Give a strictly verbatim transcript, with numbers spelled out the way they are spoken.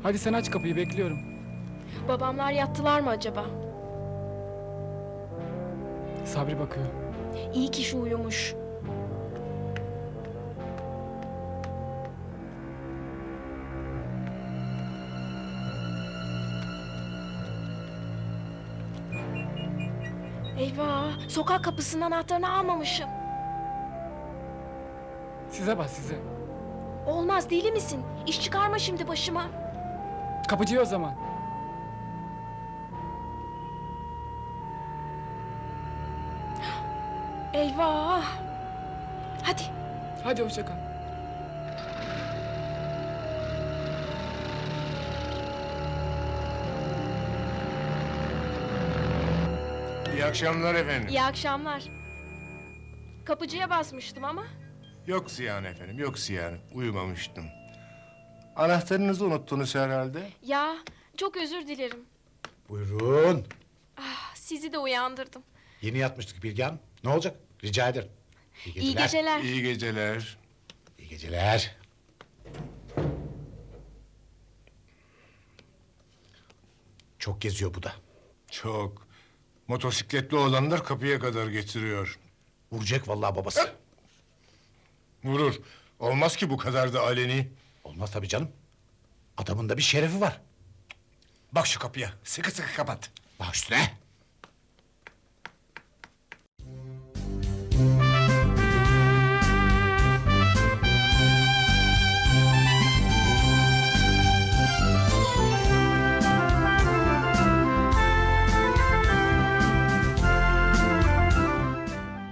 Hadi sen aç kapıyı, bekliyorum. Babamlar yattılar mı acaba? Sabri bakıyor. İyi ki şu uyumuş. Eyvah! Sokak kapısının anahtarını almamışım. Size bak size. Olmaz, deli misin? İş çıkarma şimdi başıma. Kapıcıya o zaman. Eyvah! Hadi. Hadi hoşça kal. İyi akşamlar efendim. İyi akşamlar. Kapıcıya basmıştım ama. Yok Ziyan efendim, yok Ziyan. Uyumamıştım. Anahtarınızı unuttunuz herhalde. Ya, çok özür dilerim. Buyurun. Ah, sizi de uyandırdım. Yeni yatmıştık Bilge Hanım. Ne olacak? Rica ederim. İyi geceler. İyi geceler. İyi geceler. İyi geceler. Çok geziyor bu da. Çok. Motosikletli olanlar kapıya kadar getiriyor. Vuracak vallahi babası. Vurur. Olmaz ki bu kadar da aleni. Olmaz tabii canım. Adamın da bir şerefi var. Bak şu kapıya. Sıkı sıkı kapat. Bak üstüne.